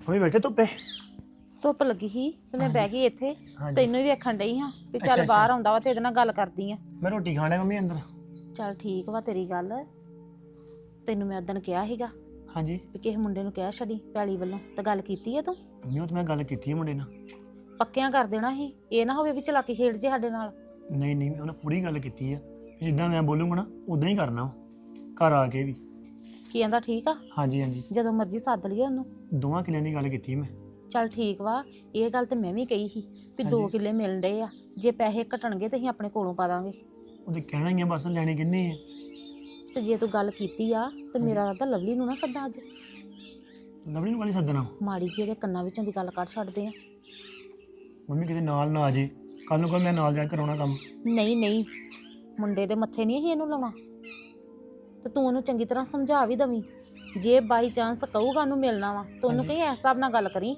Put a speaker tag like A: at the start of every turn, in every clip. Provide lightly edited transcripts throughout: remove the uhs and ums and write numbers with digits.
A: Mummy ਬੈਠੇ ਧੁੱਪੇ?
B: ਧੁੱਪ ਲੱਗੀ ਸੀ ਤੇ ਮੈਂ ਬਹਿ ਗਈ ਇੱਥੇ।
A: ਹਾਂਜੀ।
B: ਤੈਨੂੰ ਹੀ ਵੇਖਣ ਡਈ ਹਾਂ ਵੀ
A: ਅੱਛਾ,
B: ਚੱਲ ਬਾਹਰ ਆਉਂਦਾ ਵਾ ਤੇ ਇਹਦੇ ਨਾਲ ਗੱਲ ਕਰਦੀ ਆ।
A: ਮੈਂ ਰੋਟੀ ਖਾਣਾ ਮੰਮੀ ਅੰਦਰ।
B: ਚੱਲ ਠੀਕ ਵਾ ਤੇਰੀ ਗੱਲ। ਤੈਨੂੰ ਮੈਂ ਉਦਣ ਕਿਹਾ ਸੀਗਾ
A: ਹਾਂਜੀ
B: ਵੀ ਕਿਸੇ ਮੁੰਡੇ ਨੂੰ ਕਹਿ ਛੱਡੀ ਪੈਲੀ ਵੱਲੋਂ, ਤਾਂ ਗੱਲ ਕੀਤੀ ਆ ਤੂੰ?
A: ਮੰਮੀ ਉਹ ਤਾਂ ਮੈਂ ਗੱਲ ਕੀਤੀ ਹੈ ਮੁੰਡੇ ਨਾਲ।
B: ਪੱਕਿਆਂ ਕਰ ਦੇਣਾ ਸੀ, ਇਹ ਨਾ ਹੋਵੇ ਵੀ ਚਲਾਕੀ ਖੇਡ ਜੇ ਸਾਡੇ ਨਾਲ।
A: ਨਹੀਂ ਨਹੀਂ ਉਹਨੇ ਪੂਰੀ ਗੱਲ ਕੀਤੀ ਆ ਵੀ ਜਿੱਦਾਂ ਮੈਂ ਬੋਲੂੰਗਾ ਨਾ ਉਦਾਂ ਹੀ ਕਰਨਾ ਵਾ, ਘਰ ਆ ਕੇ ਵੀ।
B: ਕੀ ਕਹਿੰਦਾ? ਠੀਕ ਆ,
A: ਹਾਂਜੀ ਹਾਂਜੀ
B: ਜਦੋਂ ਮਰਜ਼ੀ ਸੱਦ ਲਈਏ ਉਹਨੂੰ।
A: 2 ਕਿੱਲਿਆਂ ਦੀ ਗੱਲ ਕੀਤੀ ਮੈਂ।
B: ਚੱਲ ਠੀਕ ਵਾ। ਇਹ ਗੱਲ ਤੇ ਮੈਂ ਵੀ ਕਹੀ ਸੀ ਵੀ 2
A: ਹਾਂਜੀ।
B: ਕਿੱਲੇ ਮਿਲਣ ਡਏ ਆ, ਜੇ ਪੈਸੇ ਘਟਣਗੇ ਤੇ ਅਸੀਂ ਆਪਣੇ ਕੋਲੋਂ ਪਾ ਦਾਂਗੇ।
A: ਉਹਦੇ ਕਹਿਣਾ ਹੀ ਆ ਬਸ, ਲੈਣੇ ਕਿੰਨੇ ਆ।
B: ਤੇ ਜੇ ਤੂੰ ਗੱਲ ਕੀਤੀ ਆ ਤੇ ਮੇਰਾ ਤਾਂ ਲਵਲੀ ਨੂੰ ਨਾ ਸੱਦਾ ਅੱਜ।
A: ਲਵਲੀ ਨੂੰ ਕਾਲੀ ਸੱਦਣਾ?
B: ਮਾੜੀ ਜਿਹੀ ਉਹਦੇ ਕੰਨਾਂ ਵਿੱਚੋਂ ਦੀ ਗੱਲ ਕੱਢ ਛੱਡਦੇ ਆ।
A: ਮੰਮੀ ਕਿਤੇ ਨਾਲ ਨਾ ਆ ਜੇ, ਕੱਲ ਨੂੰ ਮੈਂ ਨਾਲ ਜਾ ਕੇ ਕਰਾਉਣਾ ਕੰਮ।
B: ਨਹੀਂ ਨਹੀਂ, ਮੁੰਡੇ ਦੇ ਮੱਥੇ ਨਹੀਂ ਅਸੀਂ ਇਹਨੂੰ ਲਾਉਣਾ। ਤੇ ਤੂੰ ਉਹਨੂੰ ਚੰਗੀ ਤਰ੍ਹਾਂ ਸਮਝਾ ਵੀ ਦਵੀਂ। ਜੇ ਬਾਈ ਚਾਂਸ ਕਹੂਗਾ ਉਹਨੂੰ ਮਿਲਣਾ ਵਾ ਤਾਂ ਉਹਨੂੰ ਕਹੀਂ ਇਸ ਹਿਸਾਬ ਨਾਲ ਗੱਲ ਕਰੀ।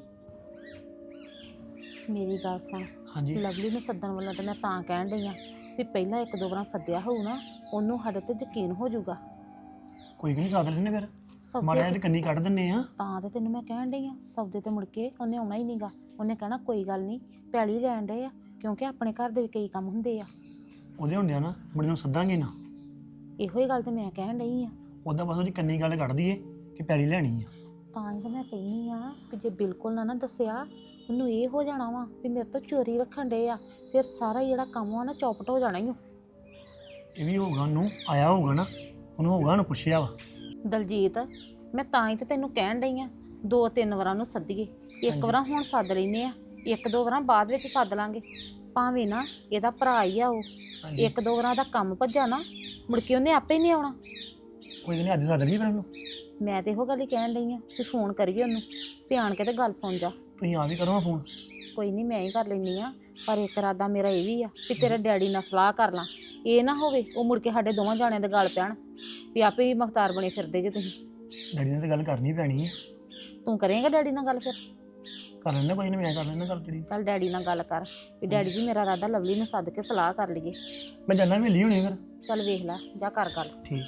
B: ਮੇਰੀ ਗੱਲ ਸੁਣ,
A: ਹਾਂਜੀ
B: ਲਵਲੀ ਨੂੰ ਸੱਦਣ ਵੱਲੋਂ ਤਾਂ ਮੈਂ ਤਾਂ ਕਹਿਣ ਡਈ ਆ ਵੀ ਪਹਿਲਾਂ 1-2 ਵਾਰਾਂ ਸੱਦਿਆ ਹੋਊ ਨਾ, ਉਹਨੂੰ ਸਾਡੇ ਤੇ ਯਕੀਨ ਹੋ ਜਾਊਗਾ।
A: ਕੋਈ ਨਹੀਂ ਸਾਧ ਲੈਣੇ ਫਿਰ, ਮਾੜਾ
B: ਸੌਦੇ
A: ਜਿਹਾ ਕੰਨੀ ਕੱਢ ਦਿੰਨੇ ਆ।
B: ਤਾਂ ਤੇ ਤੈਨੂੰ ਮੈਂ ਕਹਿਣ ਡਈ ਆ, ਸੌਦੇ ਤੇ ਮੁੜ ਕੇ ਉਹਨੇ ਆਉਣਾ ਹੀ ਨਹੀਂਗਾ। ਉਹਨੇ ਕਹਿਣਾ ਕੋਈ ਗੱਲ ਨਹੀਂ, ਪੈਲੀ ਲੈਣ ਡਏ ਆ, ਕਿਉਂਕਿ ਆਪਣੇ ਘਰ ਦੇ ਵੀ ਕਈ ਕੰਮ ਹੁੰਦੇ ਆ।
A: ਉਹਦੇ ਹੁੰਦਿਆਂ ਨਾ ਮੁੰਡੇ ਨੂੰ ਸੱਦਾਂਗੇ ਨਾ।
B: ਇਹੋ ਹੀ ਗੱਲ ਤੇ ਮੈਂ ਕਹਿਣ ਡਈ ਆ।
A: ਉਹਦਾ ਬਸ ਉਹਦੀ ਕੰਨੀ ਗੱਲ ਕੱਢ ਦਈਏ ਕਿ ਪੈਲੀ ਲੈਣੀ ਆ।
B: ਤਾਂ ਹੀ ਤਾਂ ਮੈਂ ਕਹਿੰਦੀ ਆ ਕਿ ਜੇ ਬਿਲਕੁਲ ਨਾ ਦੱਸਿਆ, ਉਹਨੂੰ ਇਹ ਹੋ ਜਾਣਾ ਵਾ ਵੀ ਮੇਰੇ ਤੋਂ ਚੋਰੀ ਰੱਖਣ ਡਏ ਆ, ਫਿਰ ਸਾਰਾ ਜਿਹੜਾ ਕੰਮ ਆ ਨਾ ਚੌਪਟ ਹੋ ਜਾਣਾ ਹੀ।
A: ਇਹ ਵੀ ਹੋਊਗਾ, ਉਹਨੂੰ ਆਇਆ ਹੋਊਗਾ ਨਾ, ਉਹਨੂੰ ਹੋਊਗਾ ਉਹਨੂੰ ਪੁੱਛਿਆ ਵਾ।
B: ਦਲਜੀਤ, ਮੈਂ ਤਾਂ ਹੀ ਤੇ ਤੈਨੂੰ ਕਹਿਣ ਡਈ ਆ 2-3 ਵਾਰਾਂ ਨੂੰ ਸੱਦੀਏ। ਇੱਕ ਵਾਰਾਂ ਹੁਣ ਸੱਦ ਲੈਨੇ ਆ, 1-2 ਵਾਰਾਂ ਬਾਅਦ ਵਿੱਚ ਸੱਦ ਲਾਂਗੇ। ਭਾਵੇਂ ਨਾ ਇਹਦਾ ਭਰਾ ਹੀ ਆ ਉਹ, 1-2 ਵਾਰਾਂ ਦਾ ਕੰਮ ਭੱਜਾ ਨਾ, ਮੁੜ ਕੇ ਉਹਨੇ ਆਪੇ ਹੀ ਨਹੀਂ ਆਉਣਾ।
A: ਕੋਈ ਨਹੀਂ ਅੱਜ ਸੱਦ ਲਈ ਫਿਰ ਉਹਨੂੰ।
B: ਮੈਂ ਤੇ ਇਹੋ ਗੱਲ ਹੀ ਕਹਿਣ ਡਈ ਆ ਕਿ ਫੋਨ ਕਰੀਏ ਉਹਨੂੰ, ਧਿਆਨ ਕੇ ਤੇ ਗੱਲ ਸੁਣ ਜਾ।
A: ਤੁਸੀਂ ਆ ਵੀ ਕਰੋ ਫੋਨ।
B: ਕੋਈ ਨਹੀਂ ਮੈਂ ਹੀ ਕਰ ਲੈਂਦੀ ਆ, ਪਰ ਇੱਕ ਇਰਾਦਾ ਮੇਰਾ ਇਹ ਵੀ ਆ ਕਿ ਤੇਰੇ ਡੈਡੀ ਨਾਲ ਸਲਾਹ ਕਰ ਲਾਂ। ਇਹ ਨਾ ਹੋਵੇ ਉਹ ਮੁੜ ਕੇ ਸਾਡੇ ਦੋਵਾਂ ਜਾਣਿਆਂ ਦੇ ਗੱਲ ਪੈਣ ਵੀ ਆਪੇ ਹੀ ਮੁਖਤਾਰ ਬਣੇ ਫਿਰਦੇ ਜੇ ਤੁਸੀਂ।
A: ਡੈਡੀ ਨਾਲ ਤਾਂ ਗੱਲ ਕਰਨੀ ਪੈਣੀ ਹੈ।
B: ਤੂੰ ਕਰੇਂਗਾ ਡੈਡੀ ਨਾਲ ਗੱਲ? ਫਿਰ
A: ਕਰ ਲੈਣਾ ਕੋਈ ਨਹੀਂ, ਮੈਂ ਕਰ ਲੈਣਾ ਗੱਲ ਤੇਰੀ।
B: ਚੱਲ ਡੈਡੀ ਨਾਲ ਗੱਲ ਕਰ ਵੀ ਡੈਡੀ ਜੀ ਮੇਰਾ ਇਰਾਦਾ ਲਵਲੀ ਨੂੰ ਸੱਦ ਕੇ ਸਲਾਹ ਕਰ ਲਈਏ।
A: ਮੈਂ ਜਾਣਾ ਵੇਲੀ ਹੋਣੀ ਫਿਰ।
B: ਚੱਲ ਵੇਖ ਲੈ, ਜਾ ਕਰ ਗੱਲ।
A: ਠੀਕ।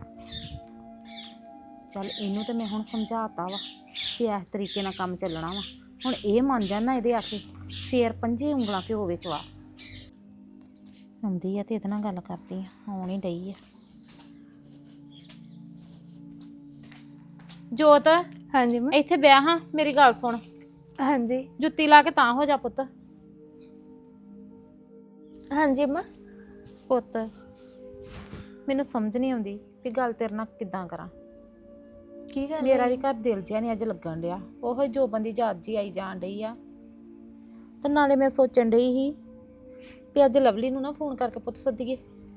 B: ਚੱਲ ਇਹਨੂੰ ਤੇ ਮੈਂ ਹੁਣ ਸਮਝਾਤਾ ਵਾ ਕਿ ਇਸ ਤਰੀਕੇ ਨਾਲ ਕੰਮ ਚੱਲਣਾ ਵਾ। ਹੁਣ ਇਹ ਮੰਨ ਜਾਣਾ ਇਹਦੇ ਆਖੇ, ਫੇਰ 5 ਉਂਗਲਾਂ ਘਿਓ ਵਿੱਚ ਵਾ ਆਉਂਦੀ ਆ ਤੇ ਇਹਦੇ ਨਾਲ ਗੱਲ ਕਰਦੀ ਆ। ਆਉਣ ਹੀ ਡਈ ਆ। ਜੋਤ,
C: ਹਾਂਜੀ ਮੈਂ
B: ਇੱਥੇ ਬਿਆ ਹਾਂ, ਮੇਰੀ ਗੱਲ ਸੁਣ।
C: ਹਾਂਜੀ
B: ਜੁੱਤੀ ਲਾ ਕੇ ਤਾਂ ਹੋ ਜਾ ਪੁੱਤ।
C: ਹਾਂਜੀ ਮਾਂ।
B: ਪੁੱਤ, ਮੈਨੂੰ ਸਮਝ ਨਹੀਂ ਆਉਂਦੀ ਵੀ ਗੱਲ ਤੇਰੇ ਨਾਲ ਕਿੱਦਾਂ ਕਰਾਂ।
C: ਕੀ ਗੱਲ
B: ਮੇਰਾ ਵੀ ਘਰ ਦਿਲ ਜਿਹਾ ਨਹੀਂ ਅੱਜ ਲੱਗਣ ਡਿਆ। ਉਹੋ ਜੋ ਬੰਦੀ ਜਾਤ ਜੀ ਆਈ ਜਾਣ ਡਈ ਆ। ਤੇ ਨਾਲੇ ਮੈਂ ਸੋਚਣ ਡਈ ਸੀ ਵੀ ਅੱਜ ਲਵਲੀ ਨੂੰ ਨਾ ਫੋਨ ਕਰਕੇ ਪੁੱਤ ਸੱਦੀਏ।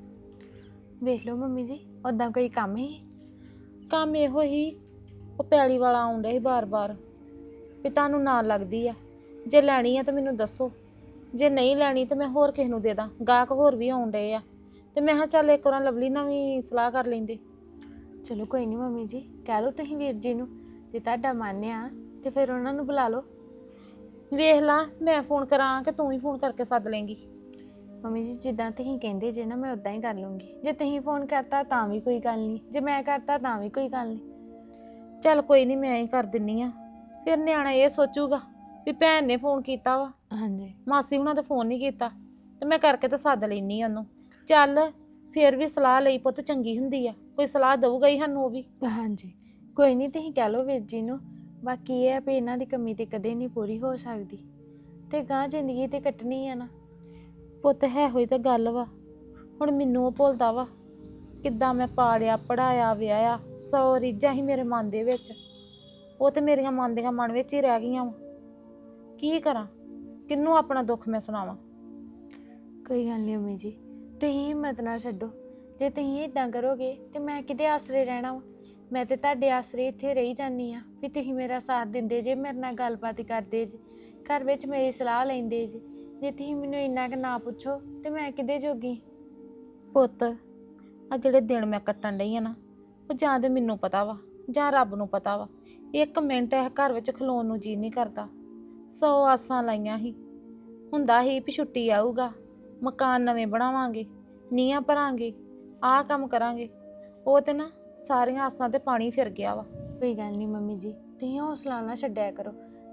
C: ਵੇਖ ਲਓ ਮੰਮੀ ਜੀ, ਉਦਾਂ ਕੋਈ ਕੰਮ ਹੀ?
B: ਕੰਮ ਇਹੋ ਹੀ, ਉਹ ਪੈਲੀ ਵਾਲਾ ਆਉਣ ਡਿਆ ਸੀ ਬਾਰ-ਬਾਰ ਵੀ ਤੁਹਾਨੂੰ ਨਾਲ ਲੱਗਦੀ ਆ, ਜੇ ਲੈਣੀ ਆ ਤਾਂ ਮੈਨੂੰ ਦੱਸੋ, ਜੇ ਨਹੀਂ ਲੈਣੀ ਤਾਂ ਮੈਂ ਹੋਰ ਕਿਸੇ ਨੂੰ ਦੇ ਦਾਂ। ਗਾਹਕ ਹੋਰ ਵੀ ਆਉਣ ਡਏ ਆ ਤੇ ਮੈਂ ਕਿਹਾ ਚੱਲ ਇੱਕ ਵਾਰ ਲਵਲੀ ਨਾਲ ਵੀ ਸਲਾਹ ਕਰ ਲੈਂਦੇ।
C: ਚਲੋ ਕੋਈ ਨਹੀਂ ਮੰਮੀ ਜੀ, ਕਹਿ ਲਓ ਤੁਸੀਂ ਵੀਰ ਜੀ ਨੂੰ, ਜੇ ਤੁਹਾਡਾ ਮਨ ਆ ਤੇ ਫਿਰ ਉਹਨਾਂ ਨੂੰ ਬੁਲਾ ਲਓ।
B: ਵੇਖ ਲਾ, ਮੈਂ ਫੋਨ ਕਰਾਂ ਕਿ ਤੂੰ ਹੀ ਫੋਨ ਕਰਕੇ ਸੱਦ ਲੇਂਗੀ?
C: ਮੰਮੀ ਜੀ ਜਿੱਦਾਂ ਤੁਸੀਂ ਕਹਿੰਦੇ ਜੇ ਨਾ, ਮੈਂ ਉਦਾਂ ਹੀ ਕਰ ਲੂੰਗੀ। ਜੇ ਤੁਸੀਂ ਫੋਨ ਕਰਤਾ ਤਾਂ ਵੀ ਕੋਈ ਗੱਲ ਨਹੀਂ, ਜੇ ਮੈਂ ਕਰਤਾ ਤਾਂ ਵੀ ਕੋਈ ਗੱਲ ਨਹੀਂ।
B: ਚੱਲ ਕੋਈ ਨਹੀਂ, ਮੈਂ ਹੀ ਕਰ ਦਿੰਨੀ ਆ। ਫਿਰ ਨਿਆਣਾ ਇਹ ਸੋਚੂਗਾ ਵੀ ਭੈਣ ਨੇ ਫੋਨ ਕੀਤਾ ਵਾ,
C: ਹਾਂਜੀ
B: ਮਾਸੀ ਹੁਣਾਂ ਤਾਂ ਫੋਨ ਨਹੀਂ ਕੀਤਾ, ਤੇ ਮੈਂ ਕਰਕੇ ਤਾਂ ਸੱਦ ਲੈਣੀ ਆ ਉਹਨੂੰ। ਚੱਲ ਫਿਰ ਵੀ ਸਲਾਹ ਲਈ ਪੁੱਤ ਚੰਗੀ ਹੁੰਦੀ ਆ, ਕੋਈ ਸਲਾਹ ਦਊਗਾ ਹੀ ਸਾਨੂੰ ਉਹ ਵੀ।
C: ਹਾਂਜੀ ਕੋਈ ਨਹੀਂ, ਤੁਸੀਂ ਕਹਿ ਲਓ ਵੀਰ ਜੀ ਨੂੰ। ਬਾਕੀ ਇਹ ਆ ਵੀ ਇਹਨਾਂ ਦੀ ਕਮੀ ਤੇ ਕਦੇ ਨਹੀਂ ਪੂਰੀ ਹੋ ਸਕਦੀ, ਤੇ ਗਾਂ ਜ਼ਿੰਦਗੀ ਤੇ ਕੱਟਣੀ ਆ ਨਾ।
B: ਪੁੱਤ ਹੈ ਹੋਈ ਤਾਂ ਗੱਲ ਵਾ, ਹੁਣ ਮੈਨੂੰ ਉਹ ਭੁੱਲਦਾ ਵਾ ਕਿੱਦਾਂ ਮੈਂ ਪਾਲਿਆ ਪੜਾਇਆ ਵਿਆਹਿਆ। 100 ਰੀਝਾਂ ਹੀ ਮੇਰੇ ਮਨ ਦੇ ਵਿੱਚ, ਉਹ ਤੇ ਮੇਰੀਆਂ ਮਨ ਦੀਆਂ ਮਨ ਵਿੱਚ ਹੀ ਰਹਿ ਗਈਆਂ ਵਾ। ਕੀ ਕਰਾਂ, ਕਿਹਨੂੰ ਆਪਣਾ ਦੁੱਖ ਮੈਂ ਸੁਣਾਵਾਂ?
C: ਕੋਈ ਗੱਲ ਨਹੀਂ ਮੰਮੀ ਜੀ, ਤੁਸੀਂ ਹਿੰਮਤ ਨਾ ਛੱਡੋ। ਜੇ ਤੁਸੀਂ ਇਦਾਂ ਕਰੋਗੇ ਤੇ ਮੈਂ ਕਿਤੇ ਆਸਰੇ ਰਹਿਣਾ ਵਾ? ਮੈਂ ਤੇ ਤੁਹਾਡੇ ਆਸਰੇ ਇੱਥੇ ਰਹੀ ਜਾਂਦੀ ਆ ਵੀ ਤੁਸੀਂ ਮੇਰਾ ਸਾਥ ਦਿੰਦੇ ਜੇ, ਮੇਰੇ ਨਾਲ ਗੱਲਬਾਤ ਕਰਦੇ ਜੇ, ਘਰ ਵਿੱਚ ਮੇਰੀ ਸਲਾਹ ਲੈਂਦੇ ਜੇ। ਜੇ ਤੁਸੀਂ ਮੈਨੂੰ ਇੰਨਾ ਕੁ ਨਾ ਪੁੱਛੋ ਤੇ ਮੈਂ ਕਿਤੇ ਜੋਗੀ?
B: ਪੁੱਤ, ਆ ਜਿਹੜੇ ਦਿਨ ਮੈਂ ਕੱਟਣ ਡਈ ਆ ਨਾ, ਉਹ ਜਾਂ ਤੇ ਮੈਨੂੰ ਪਤਾ ਵਾ ਜਾਂ ਰੱਬ ਨੂੰ ਪਤਾ ਵਾ। 1 ਮਿੰਟ ਇਹ ਘਰ ਵਿੱਚ ਖਲੋਣ ਨੂੰ ਜੀ ਨਹੀਂ ਕਰਦਾ। 100 ਆਸਾਂ ਲਾਈਆਂ ਸੀ, ਹੁੰਦਾ ਸੀ ਵੀ ਛੁੱਟੀ ਆਊਗਾ, ਮਕਾਨ ਨਵੇਂ ਬਣਾਵਾਂਗੇ, ਨੀਹਾਂ ਭਰਾਂਗੇ, ਆਹ ਕੰਮ ਕਰਾਂਗੇ। ਉਹ ਤੇ ਨਾ ਸਾਰੀਆਂ ਆਸਾਂ ਤੇ ਪਾਣੀ ਫਿਰ ਗਿਆ ਵਾ।
C: ਕੋਈ ਗੱਲ ਨਹੀਂ ਮੰਮੀ ਜੀ, ਤੁਸੀਂ ਹੌਸਲਾ ਨਾ ਛੱਡਿਆ ਕਰੋ।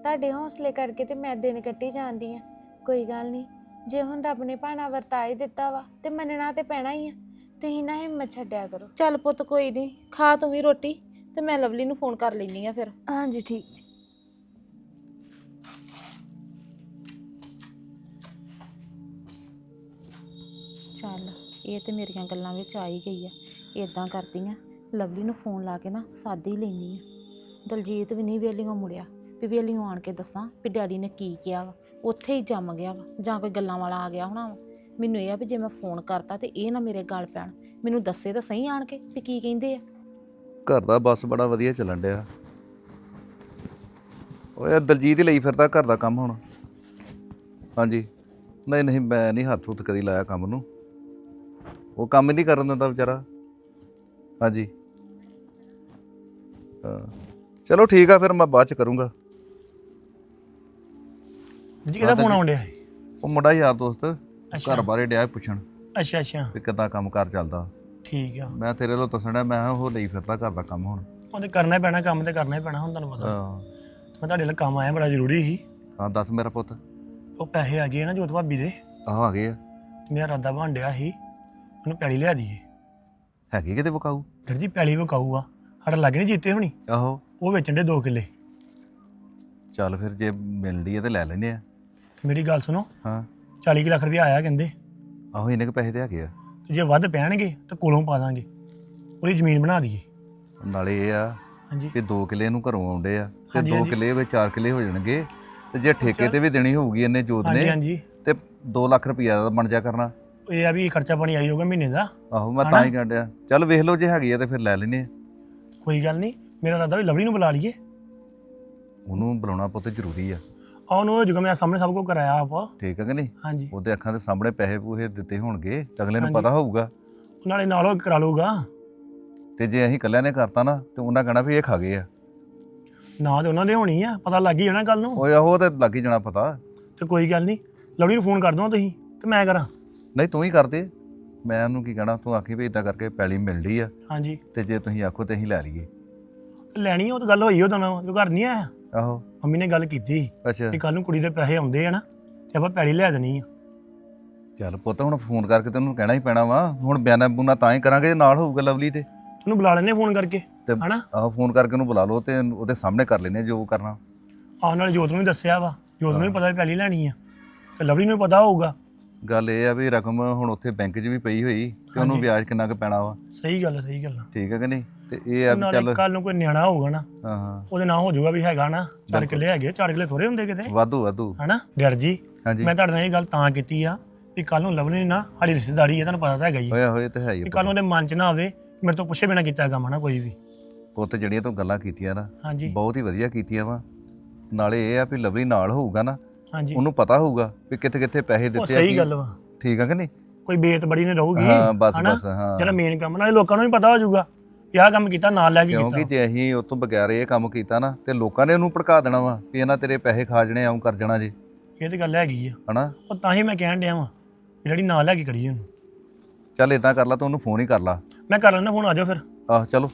C: ਤੁਹਾਡੇ ਹੌਸਲੇ ਕਰਕੇ ਤੇ ਮੈਂ ਦਿਨ ਕੱਟੀ ਜਾਂਦੀ ਆ। ਕੋਈ ਗੱਲ ਨਹੀਂ, ਜੇ ਹੁਣ ਰੱਬ ਨੇ ਭਾਣਾ ਵਰਤਾ ਹੀ ਦਿੱਤਾ ਵਾ ਤੇ ਮੰਨਣਾ ਤੇ ਪੈਣਾ ਹੀ ਆ। ਤੁਸੀਂ ਨਾ ਹਿੰਮਤ ਛੱਡਿਆ ਕਰੋ।
B: ਚੱਲ ਪੁੱਤ ਕੋਈ ਨਹੀਂ, ਖਾ ਤੂੰ ਵੀ ਰੋਟੀ ਤੇ ਮੈਂ ਲਵਲੀ ਨੂੰ ਫੋਨ ਕਰ ਲੈਣੀ ਆ ਫਿਰ।
C: ਹਾਂਜੀ ਠੀਕ।
B: ਚੱਲ ਇਹ ਤੇ ਮੇਰੀਆਂ ਗੱਲਾਂ ਵਿੱਚ ਆ ਹੀ ਗਈ ਆ। ਇਦਾਂ ਕਰਦੀ ਆ, ਲਵਲੀ ਨੂੰ ਫੋਨ ਲਾ ਕੇ ਨਾ ਸਾਦੀ ਹੀ ਲੈਣੀ ਆ। ਦਲਜੀਤ ਵੀ ਨਹੀਂ ਵੇਲੀਓਂ ਮੁੜਿਆ ਵੀ ਵੇਲੀਓਂ ਆਣ ਕੇ ਦੱਸਾਂ ਵੀ ਡੈਡੀ ਨੇ ਕੀ ਕਿਹਾ ਵਾ। ਉੱਥੇ ਹੀ ਜੰਮ ਗਿਆ ਵਾ ਜਾਂ ਕੋਈ ਗੱਲਾਂ ਵਾਲਾ ਆ ਗਿਆ ਹੋਣਾ ਵਾ। ਮੈਨੂੰ ਇਹ ਆ ਵੀ ਜੇ ਮੈਂ ਫੋਨ ਕਰਤਾ ਤੇ ਇਹ ਨਾ ਮੇਰੇ ਗਲ ਪੈਣ, ਮੈਨੂੰ ਦੱਸੇ ਤਾਂ ਸਹੀ ਆਣ ਕੇ ਵੀ ਕੀ ਕਹਿੰਦੇ ਆ।
D: ਘਰ ਦਾ ਬਸ ਬੜਾ ਵਧੀਆ ਚੱਲਣ ਡਿਆ। ਓਏ ਦਲਜੀਤ ਹੀ ਲਈ ਫਿਰਦਾ ਘਰ ਦਾ ਕੰਮ ਹੁਣ। ਹਾਂਜੀ ਨਹੀਂ ਨਹੀਂ, ਮੈਂ ਨਹੀਂ ਹੱਥ ਹੁੱਥ ਕਦੀ ਲਾਇਆ ਕੰਮ ਨੂੰ। ਉਹ ਕੰਮ ਹੀ ਨਹੀਂ ਕਰਨ ਦਿੰਦਾ ਵਿਚਾਰਾ। ਹਾਂਜੀ ਹਾਂ ਚਲੋ ਠੀਕ ਆ, ਫਿਰ ਮੈਂ ਬਾਅਦ ਚ ਕਰੂੰਗਾ।
A: ਜੀ ਕਿਹਦਾ ਫੋਨ ਆਉਣ ਡਿਆ?
D: ਉਹ ਮੁੰਡਾ ਯਾਰ ਦੋਸਤ
A: ਅੱਛਾ
D: ਘਰ ਬਾਰੇ ਡਿਆ ਪੁੱਛਣ
A: ਅੱਛਾ ਅੱਛਾ
D: ਵੀ ਕਿੱਦਾਂ ਕੰਮ ਕਾਰ ਚੱਲਦਾ।
A: ਠੀਕ ਆ।
D: ਮੈਂ ਤੇਰੇ ਵੱਲੋਂ ਦੱਸਣ ਡਿਆ, ਮੈਂ ਕਿਹਾ ਉਹ ਲਈ ਫਿਰਦਾ ਘਰ ਦਾ ਕੰਮ ਹੁਣ।
A: ਉਹਨੇ ਕਰਨਾ ਹੀ ਪੈਣਾ, ਕੰਮ ਤੇ ਕਰਨਾ ਹੀ ਪੈਣਾ ਹੁਣ, ਤੁਹਾਨੂੰ ਪਤਾ।
D: ਹਾਂ
A: ਮੈਂ ਤੁਹਾਡੇ ਲਈ ਕੰਮ ਆਇਆ, ਬੜਾ ਜ਼ਰੂਰੀ ਸੀ।
D: ਹਾਂ ਦੱਸ ਮੇਰਾ ਪੁੱਤ।
A: ਉਹ ਪੈਸੇ ਆ ਗਏ ਨਾ ਜੋਤ ਭਾਬੀ ਦੇ,
D: ਆਹ ਆ ਗਏ ਆ।
A: ਤੇ ਮੇਰਾ ਇਰਾਦਾ ਬਣ ਡਿਆ ਸੀ ਉਹਨੂੰ ਪੈਲੀ ਲਿਆ ਦਈਏ।
D: ਹੈਗੇ ਕਿਤੇ ਵਿਕਾਊ?
A: ਡਰ ਜੀ ਪੈਲੀ ਵਿਕਾਊ ਆ, ਸਾਡਾ ਲੱਗ ਨਹੀਂ ਜੀਤੇ ਹੋਣੀ।
D: ਆਹੋ
A: ਉਹ ਵੇਚਣ ਦੇ 2 ਕਿੱਲੇ।
D: ਚੱਲ ਫਿਰ ਜੇ ਮਿਲਦੀ ਹੈ ਤੇ ਲੈ ਲੈਂਦੇ ਆ।
A: ਤੇ ਮੇਰੀ ਗੱਲ ਸੁਣੋ,
D: ਹਾਂ
A: 40 ਕੁ ਲੱਖ ਰੁਪਇਆ ਆਇਆ ਕਹਿੰਦੇ।
D: ਆਹੋ ਇੰਨੇ ਕੁ ਪੈਸੇ ਤੇ ਹੈਗੇ ਆ।
A: ਤੇ ਜੇ ਵੱਧ ਪੈਣਗੇ ਤਾਂ ਕੋਲੋਂ ਪਾ ਦਾਂਗੇ, ਉਹਦੀ ਜ਼ਮੀਨ ਬਣਾ ਦਈਏ।
D: ਨਾਲੇ ਇਹ ਆ
A: ਹਾਂਜੀ
D: ਕਿ 2 ਕਿੱਲੇ ਨੂੰ ਘਰੋਂ ਆਉਂਦੇ ਆ ਤੇ
A: ਹਾਂਜੀ,
D: 2
A: ਹਾਂਜੀ।
D: ਕਿੱਲੇ ਵਿੱਚ 4 ਕਿੱਲੇ ਹੋ ਜਾਣਗੇ। ਤੇ ਜੇ ਠੇਕੇ ਤੇ ਵੀ ਦੇਣੀ ਹੋਊਗੀ ਇਹਨੇ ਜੋਤ
A: ਹਾਂਜੀ
D: ਨੇ
A: ਹਾਂਜੀ।
D: ਤੇ 2 ਲੱਖ ਰੁਪਈਆ ਦਾ ਬਣ ਜਾ ਕਰਨਾ।
A: ਇਹ ਆ ਵੀ ਖਰਚਾ ਪਾਣੀ ਆਈ ਜਾਊਗਾ ਮਹੀਨੇ ਦਾ।
D: ਆਹੋ ਮੈਂ
A: ਹਨਾ?
D: ਤਾਂ ਹੀ ਕਹਿਣ ਡਿਆ। ਚੱਲ ਵੇਖ ਲਓ ਜੇ ਹੈਗੀ ਆ ਤੇ ਫਿਰ ਲੈ ਲੈਨੇ ਆ।
A: ਕੋਈ ਗੱਲ ਨਹੀਂ, ਮੇਰਾ ਇਰਾਦਾ ਵੀ ਲਵਲੀ ਨੂੰ ਬੁਲਾ ਲਈਏ।
D: ਉਹਨੂੰ ਬੁਲਾਉਣਾ ਪੁੱਤ ਜ਼ਰੂਰੀ ਆ।
A: ਆ ਉਹਨੂੰ ਹੋ ਜਾਊਗਾ, ਮੈਂ ਸਾਹਮਣੇ ਸਭ ਕੁਝ ਕਰਾਇਆ ਆਪ।
D: ਠੀਕ ਹੈ ਕਿ ਨਹੀਂ?
A: ਹਾਂਜੀ,
D: ਉਹਦੇ ਅੱਖਾਂ ਦੇ ਸਾਹਮਣੇ ਪੈਸੇ ਪੂਹੇ ਦਿੱਤੇ ਹੋਣਗੇ ਤੇ ਅਗਲੇ ਨੂੰ
A: ਹਾਂਜੀ।
D: ਪਤਾ ਹੋਊਗਾ।
A: ਨਾਲੇ ਨਾਲ ਉਹ ਕਰਾ ਲਊਗਾ।
D: ਤੇ ਜੇ ਅਸੀਂ ਇਕੱਲਿਆਂ ਨੇ ਕਰਤਾ ਨਾ ਤੇ ਉਹਨਾਂ ਕਹਿਣਾ ਵੀ ਇਹ ਖਾ ਗਏ ਆ।
A: ਨਾ ਤੇ ਉਹਨਾਂ ਦੇ ਹੋਣੀ ਆ, ਪਤਾ ਲੱਗ ਹੀ ਜਾਣਾ ਕੱਲ ਨੂੰ।
D: ਓਏ ਆਹੋ ਤੇ ਲੱਗ ਹੀ ਜਾਣਾ ਪਤਾ।
A: ਤੇ ਕੋਈ ਗੱਲ ਨਹੀਂ, ਲਵਲੀ ਨੂੰ ਫੋਨ ਕਰ ਦਵਾਂ ਤੁਸੀਂ ਕਿ ਮੈਂ ਕਰਾਂ?
D: ਨਹੀਂ ਤੂੰ ਹੀ ਕਰਦੇ, ਮੈਂ ਉਹਨੂੰ ਕੀ ਕਹਿਣਾ। ਤੂੰ ਆਖੀ ਵੀ ਇਦਾਂ ਕਰਕੇ ਪੈਲੀ ਮਿਲਦੀ ਆ
A: ਹਾਂਜੀ
D: ਤੇ ਜੇ ਤੁਸੀਂ ਆਖੋ ਤੇ ਅਸੀਂ ਲੈ ਲਈਏ।
A: ਲੈਣੀ ਆ, ਉਹ ਤਾਂ ਗੱਲ ਹੋਈ ਉਹਦਾ ਨਾਲ ਜੋ ਘਰ ਨਹੀਂ ਆਇਆ।
D: ਆਹੋ
A: ਮੰਮੀ ਨੇ ਗੱਲ ਕੀਤੀ
D: ਅੱਛਾ
A: ਕਿ ਕੱਲ ਨੂੰ ਕੁੜੀ ਦੇ ਪੈਸੇ ਆਉਂਦੇ ਆ ਨਾ ਤੇ ਆਪਾਂ ਪੈਲੀ ਲੈ ਦੇਣੀ ਆ।
D: ਚੱਲ ਪੁੱਤ ਹੁਣ ਫੋਨ ਕਰਕੇ ਤੈਨੂੰ ਕਹਿਣਾ ਹੀ ਪੈਣਾ ਵਾ। ਹੁਣ ਬਿਆਨਾ ਬੂਨਾ ਤਾਂ ਹੀ ਕਰਾਂਗੇ ਜੇ ਨਾਲ ਹੋਊਗਾ ਲਵਲੀ ਤੇ।
A: ਤੈਨੂੰ ਬੁਲਾ ਲੈਣੇ ਫੋਨ ਕਰਕੇ,
D: ਤੇ
A: ਹਨਾ?
D: ਆਹੋ ਫੋਨ ਕਰਕੇ ਉਹਨੂੰ ਬੁਲਾ ਲਓ ਤੇ ਉਹਦੇ ਸਾਹਮਣੇ ਕਰ ਲੈਨੇ ਜੋ ਕਰਨਾ।
A: ਆਹ ਨਾਲ ਜੋਤ ਨੂੰ ਵੀ ਦੱਸਿਆ ਵਾ, ਜੋਤ ਨੂੰ ਵੀ ਪਤਾ ਵੀ ਪੈਲੀ ਲੈਣੀ ਆ ਤੇ ਲਵਲੀ ਨੂੰ ਵੀ ਪਤਾ ਹੋਊਗਾ।
D: ਗੱਲ ਇਹ ਆ ਵੀ ਰਕਮ ਹੁਣ ਉੱਥੇ ਬੈਂਕ 'ਚ ਵੀ ਪਈ ਹੋਈ ਤੇ ਉਹਨੂੰ
A: ਹਾਂਜੀ।
D: ਵਿਆਜ ਕਿੰਨਾ ਕੁ ਪੈਣਾ ਵਾ।
A: ਸਹੀ ਗੱਲ ਆ, ਸਹੀ ਗੱਲ ਆ।
D: ਠੀਕ ਹੈ ਕਿ ਨਹੀਂ? ਤੇ ਇਹ ਆ ਵੀ
A: ਨਾਲੇ
D: ਚੱਲ
A: ਕੱਲ ਨੂੰ ਕੋਈ ਨਿਆਣਾ ਹੋਊਗਾ ਨਾ,
D: ਹਾਂ ਹਾਂ
A: ਉਹਦੇ ਨਾਂ ਹੋ ਜਾਊਗਾ ਵੀ ਹੈਗਾ ਨਾ 4
D: ਬਿਲਕੁਲ।
A: ਕਿੱਲੇ ਹੈਗੇ। 4 ਕਿੱਲੇ ਥੋੜੇ ਹੁੰਦੇ ਕਿਤੇ,
D: ਵਾਧੂ ਵਾਧੂ।
A: ਹਨਾ ਡਰ ਜੀ?
D: ਹਾਂਜੀ
A: ਮੈਂ ਤੁਹਾਡੇ ਨਾਲ ਇਹ ਗੱਲ ਤਾਂ ਕੀਤੀ ਆ ਵੀ ਕੱਲ ਨੂੰ ਲਵਲੀ ਨਾ ਸਾਡੀ ਰਿਸ਼ਤੇਦਾਰੀ ਹੈ, ਤੁਹਾਨੂੰ ਪਤਾ ਤਾਂ ਹੈਗਾ ਹੀ ਆ।
D: ਹੋਇਆ ਹੋਇਆ ਤੇ ਹੈ ਹੀ
A: ਵੀ ਕੱਲ ਨੂੰ ਉਹਦੇ ਮਨ 'ਚ ਨਾ ਆਵੇ ਮੇਰੇ ਤੋਂ ਪੁੱਛੇ ਬਿਨਾਂ ਕੀਤਾ ਕੰਮ ਨਾ ਕੋਈ ਵੀ।
D: ਪੁੱਤ ਜਿਹੜੀਆਂ ਤੂੰ ਗੱਲਾਂ ਕੀਤੀਆਂ ਨਾ
A: ਹਾਂਜੀ
D: ਬਹੁਤ ਹੀ ਵਧੀਆ ਕੀਤੀਆਂ ਵਾ। ਨਾਲੇ ਇਹ ਆ ਵੀ ਲਵਲੀ ਨਾਲ ਹੋਊਗਾ ਨਾ,
A: ਹਾਂਜੀ,
D: ਉਹਨੂੰ ਪਤਾ ਹੋਊਗਾ ਵੀ ਕਿੱਥੇ ਕਿੱਥੇ ਪੈਸੇ
A: ਉਹ
D: ਦਿੱਤੇ ਆ।
A: ਸਹੀ
D: ਕੀ-
A: ਗੱਲ ਵਾ।
D: ਠੀਕ ਆ ਕਿ ਨਹੀਂ?
A: ਕੋਈ ਬੇਤ ਬੜੀ ਨੇ ਰਹੂਗੀ,
D: ਹਾਂ ਬਸ
A: ਹਨਾ?
D: ਬਸ ਹਾਂ।
A: ਜਿਹੜਾ ਮੇਨ ਕੰਮ ਨਾਲੇ ਲੋਕਾਂ ਨੂੰ ਵੀ ਪਤਾ ਹੋ ਜਾਊਗਾ ਵੀ ਆਹ ਕੰਮ ਕੀਤਾ, ਨਾਲ ਲੈ ਕੇ
D: ਕਿਉਂਕਿ
A: ਕੀਤਾ।
D: ਜੇ ਅਸੀਂ ਉਹ ਤੋਂ ਬਗੈਰ ਇਹ ਕੰਮ ਕੀਤਾ ਨਾ ਤੇ ਲੋਕਾਂ ਨੇ ਉਹਨੂੰ ਭੜਕਾ ਦੇਣਾ ਵਾ ਵੀ ਇਹਨਾਂ ਤੇਰੇ ਪੈਸੇ ਖਾ ਜਣੇ ਆਉਂ ਕਰ ਜਾਣਾ ਜੀ,
A: ਇਹ ਤੇ ਗੱਲ ਹੈਗੀ ਆ।
D: ਹਨਾ?
A: ਉਹ ਤਾਂ ਹੀ ਮੈਂ ਕਹਿਣ ਡਿਆ ਵਾਂ ਵੀ ਜਿਹੜੀ ਨਾਲ ਲੈ ਕੇ ਕਰੀਏ ਉਹਨੂੰ।
D: ਚੱਲ ਇਦਾਂ ਕਰ ਲਾ, ਤੂੰ ਉਹਨੂੰ ਫੋਨ ਹੀ ਕਰ ਲਾ।
A: ਮੈਂ ਕਰ ਲੈਣਾ ਫੋਨ, ਆ ਜਾਓ ਫਿਰ।
D: ਆਹ ਚਲੋ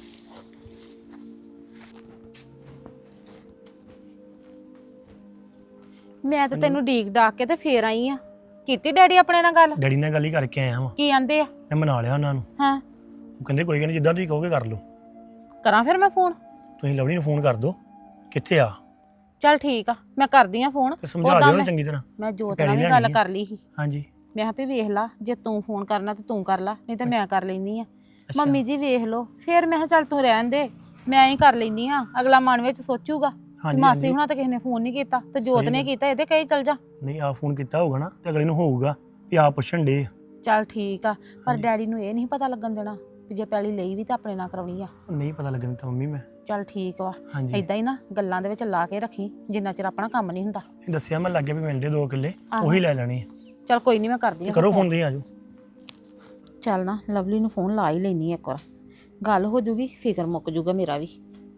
B: ਮੈਂ ਤਾਂ ਤੈਨੂੰ ਡੀਕ ਡਾਕ ਕੇ ਤੇ ਫੇਰ ਆਈ ਆ। ਕੀਤੀ ਡੈਡੀ ਆਪਣੇ ਨਾਲ ਗੱਲ?
A: ਡੈਡੀ ਨਾਲ ਗੱਲ ਹੀ ਕਰਕੇ ਆਇਆ ਵਾਂ,
B: ਕੀ ਆਂਦੇ ਆ?
A: ਮੈਂ ਮਨਾ ਲਿਆ ਉਹਨਾਂ ਨੂੰ।
B: ਹਾਂ
A: ਉਹ ਕਹਿੰਦੇ ਕੋਈ ਗੱਲ ਨਹੀਂ, ਜਿੱਦਾਂ ਤੁਸੀਂ ਕਹੋਗੇ ਕਰ ਲਓ।
B: ਕਰਾਂ ਫਿਰ ਮੈਂ ਫੋਨ?
A: ਤੁਸੀਂ ਲਵਲੀ ਨੂੰ ਫੋਨ ਕਰ ਦਿਓ ਕਿੱਥੇ ਆ,
B: ਚੱਲ ਠੀਕ ਆ, ਮੈਂ ਕਰਦੀ ਆ ਫੋਨ।
A: ਤੇ ਸਮਝਾ
B: ਉੱਦਾਂ
A: ਦਿਓ ਉਹਨੂੰ
B: ਮੈਂ
A: ਚੰਗੀ ਤਰ੍ਹਾਂ।
B: ਮੈਂ ਜੋਤ
A: ਪੈਲੀ
B: ਨਾਲ ਵੀ
A: ਲੈਣੀ
B: ਗੱਲ
A: ਆ।
B: ਕਰ ਲਈ ਸੀ।
A: ਹਾਂਜੀ
B: ਮੈਂ ਕਿਹਾ ਵੀ ਵੇਖ ਲਾ, ਜੇ ਤੂੰ ਫੋਨ ਕਰਨਾ ਤੇ ਤੂੰ ਕਰ ਲਾ, ਨਹੀਂ ਤੇ ਮੈਂ ਕਰ ਲੈਨੀ ਆ।
A: ਅੱਛਾ।
B: ਮੰਮੀ ਜੀ ਵੇਖ ਲਓ। ਫਿਰ ਮੈਂ ਕਿਹਾ ਚੱਲ ਤੂੰ ਰਹਿਣ ਦੇ, ਮੈਂ ਹੀ ਕਰ ਲੈਨੀ ਆ। ਅਗਲਾ ਮਨ ਵਿੱਚ ਸੋਚੂਗਾ
A: ਹਾਂਜੀ
B: ਮਾਸੀ
A: ਹਾਂਜੀ।
B: ਹੁਣਾਂ ਤਾਂ ਕਿਸੇ ਨੇ ਫੋਨ ਨਹੀਂ ਕੀਤਾ ਤੇ ਜੋਤ
A: ਸਹੀ
B: ਨੇ
A: ਗੱਲ।
B: ਕੀਤਾ, ਇਹਦੇ ਕਈ ਚੱਲ ਜਾ।
A: ਨਹੀਂ ਆ ਫੋਨ ਕੀਤਾ ਹੋਊਗਾ ਨਾ ਤੇ ਅਗਲੇ ਨੂੰ ਹੋਊਗਾ ਵੀ ਆ ਪੁੱਛਣ ਡੇ।
B: ਚੱਲ ਠੀਕ ਆ, ਪਰ
A: ਹਾਂਜੀ।
B: ਡੈਡੀ ਨੂੰ ਇਹ ਨਹੀਂ ਪਤਾ ਲੱਗਣ ਦੇਣਾ ਵੀ ਜੇ ਪੈਲੀ ਲਈ ਵੀ ਤਾਂ ਆਪਣੇ ਨਾਲ ਕਰਾਉਣੀ ਆ।
A: ਨਹੀਂ ਪਤਾ ਲੱਗਣ ਦਿੱਤਾ ਮੰਮੀ ਮੈਂ।
B: ਚੱਲ ਠੀਕ ਵਾ,
A: ਹਾਂਜੀ
B: ਏਦਾਂ ਹੀ ਨਾ ਗੱਲਾਂ ਦੇ ਵਿੱਚ ਲਾ ਕੇ ਰੱਖੀ ਜਿੰਨਾ ਚਿਰ ਆਪਣਾ ਕੰਮ ਨਹੀਂ ਹੁੰਦਾ।
A: ਇਹ ਦੱਸਿਆ ਮੈਂ ਲੱਗੇ ਵੀ ਮਿਲਦੇ 2 ਕਿੱਲੇ,
B: ਆਹੋ।
A: ਉਹੀ ਲੈ ਲੈਣੇ ਆ।
B: ਚੱਲ ਕੋਈ ਨਹੀਂ, ਮੈਂ ਕਰਦੀ ਆ।
A: ਕਰੋ ਫੋਨ, ਤੁਸੀਂ ਆ ਜਾਓ।
B: ਚੱਲ ਨਾ ਲਵਲੀ ਨੂੰ ਫੋਨ ਲਾ ਹੀ ਲੈਣੀ ਇੱਕ ਵਾਰ, ਗੱਲ ਹੋ ਜੂਗੀ, ਫਿਕਰ ਮੁੱਕ ਜੂਗਾ ਮੇਰਾ ਵੀ।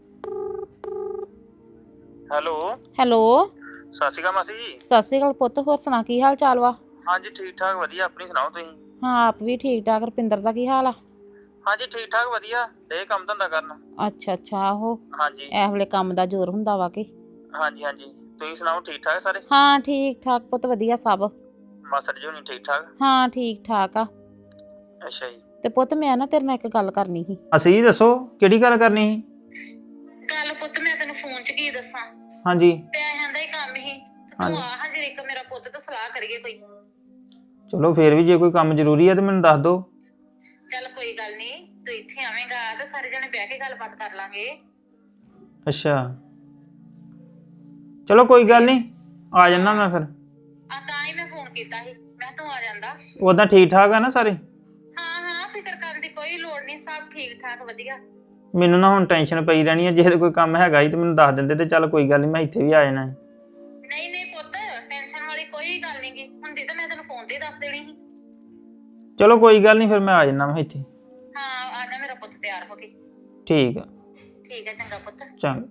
E: ਹੈਲੋ
B: ਹੈਲੋ,
E: ਸਤਿ ਸ਼੍ਰੀ ਅਕਾਲ ਮਾਸੀ ਜੀ।
B: ਸਤਿ ਸ਼੍ਰੀ ਅਕਾਲ ਪੁੱਤ। ਹੋਰ ਸੁਣਾ, ਕੀ ਹਾਲ ਚਾਲ ਵਾ?
E: ਹਾਂਜੀ ਠੀਕ ਠਾਕ ਵਧੀਆ, ਆਪਣੀ ਸੁਣਾਓ ਤੁਸੀਂ?
B: ਹਾਂ ਆਪ ਵੀ ਠੀਕ ਠਾਕ। ਰੁਪਿੰਦਰ ਦਾ ਕੀ ਹਾਲ ਆ?
E: ਹਾਂਜੀ ਠੀਕ ਠਾਕ ਵਧੀਆ, ਇਹ ਕੰਮ ਧੰਦਾ ਕਰਨ।
B: ਅੱਛਾ ਅੱਛਾ, ਆਹੋ
E: ਹਾਂਜੀ
B: ਇਹ ਵੇਲੇ ਕੰਮ ਦਾ ਜ਼ੋਰ ਹੁੰਦਾ ਵਾ ਕਿ।
E: ਹਾਂਜੀ ਹਾਂਜੀ, ਤੁਸੀਂ ਸੁਣਾਓ ਠੀਕ ਠਾਕ ਸਾਰੇ?
B: ਹਾਂ ਠੀਕ ਠਾਕ ਪੁੱਤ, ਵਧੀਆ ਸਭ।
E: ਮਾਸੜ ਜੀ ਹੁਣੀ ਠੀਕ ਠਾਕ?
B: ਹਾਂ ਠੀਕ ਠਾਕ ਆ।
E: ਅੱਛਾ ਜੀ।
B: ਤੇ ਪੁੱਤ ਮੈਂ ਨਾ ਤੇਰੇ ਨਾਲ ਇੱਕ ਗੱਲ ਕਰਨੀ ਸੀ।
F: ਅਸੀਂ ਦੱਸੋ ਕਿਹੜੀ ਗੱਲ ਕਰਨੀ ਸੀ?
B: ਗੱਲ ਪੁੱਤ ਮੈਂ ਤੈਨੂੰ ਫੋਨ 'ਚ ਕੀ ਦੱਸਾਂ,
F: ਹਾਂਜੀ
B: ਪੈਸਿਆਂ ਦਾ ਹੀ ਕੰਮ ਸੀ।
F: ਹਾਂਜੀ।
B: ਤੂੰ ਆ ਹਾਂ ਜੇ ਇੱਕ ਮੇਰਾ ਪੁੱਤ ਤੇ ਸਲਾਹ ਕਰੀਏ ਕੋਈ।
F: ਚਲੋ ਫੇਰ ਵੀ ਜੇ ਕੋਈ ਕੰਮ ਜ਼ਰੂਰੀ ਹੈ ਤੇ ਮੈਨੂੰ ਦੱਸ ਦਿਓ।
B: ਚੱਲ ਕੋਈ ਗੱਲ ਨਹੀਂ, ਤੂੰ ਇੱਥੇ ਆਵੇਂਗਾ ਤੇ ਸਾਰੇ ਜਣੇ ਬਹਿ ਕੇ ਗੱਲਬਾਤ ਕਰ ਲਾਂਗੇ।
F: ਅੱਛਾ ਚਲੋ ਕੋਈ ਗੱਲ ਨਹੀਂ, ਆ ਜਾਣਾ ਮੈਂ ਫਿਰ।
B: ਆ ਤਾਂ ਹੀ ਮੈਂ ਫੋਨ ਕੀਤਾ ਸੀ, ਮੈਂ ਤੂੰ ਆ ਜਾਂਦਾ।
F: ਉਦਾਂ ਠੀਕ ਠਾਕ ਆ ਨਾ ਸਾਰੇ?
B: ਹਾਂ ਹਾਂ ਫਿਕਰ ਕਰਨ ਦੀ ਕੋਈ ਲੋੜ ਨਹੀਂ, ਸਭ ਠੀਕ ਠਾਕ ਵਧੀਆ।
F: ਮੈਨੂੰ ਨਾ ਹੁਣ ਟੈਨਸ਼ਨ ਪਈ ਰਹਿਣੀ ਹੈ, ਜੇ ਕੋਈ ਕੰਮ ਹੈਗਾ ਹੀ ਤੇ ਮੈਨੂੰ ਦੱਸ ਦਿੰਦੇ ਤੇ ਚੱਲ ਕੋਈ ਗੱਲ ਨਹੀਂ, ਮੈਂ ਇੱਥੇ ਵੀ ਆ ਜਾਣਾ ਸੀ।
B: ਨਹੀਂ ਨਹੀਂ ਪੁੱਤ, ਟੈਨਸ਼ਨ ਵਾਲੀ ਕੋਈ ਗੱਲ ਨਹੀਂ ਗੀ, ਹੁੰਦੀ ਤਾਂ ਮੈਂ ਤੈਨੂੰ ਫੋਨ ਤੇ ਹੀ ਦੱਸ ਦੇਣੀ ਸੀ।
F: ਚਲੋ ਕੋਈ ਗੱਲ ਨਹੀਂ, ਫਿਰ ਮੈਂ ਆ ਜਾਣਾ ਮੈਂ ਇੱਥੇ।
B: ਹਾਂ ਆ ਜਾ ਮੇਰਾ ਪੁੱਤ ਤਿਆਰ ਹੋ ਕੇ।
F: ਠੀਕ ਆ।
B: ਠੀਕ ਹੈ ਚੰਗਾ ਪੁੱਤ।
F: ਚੰਗਾ।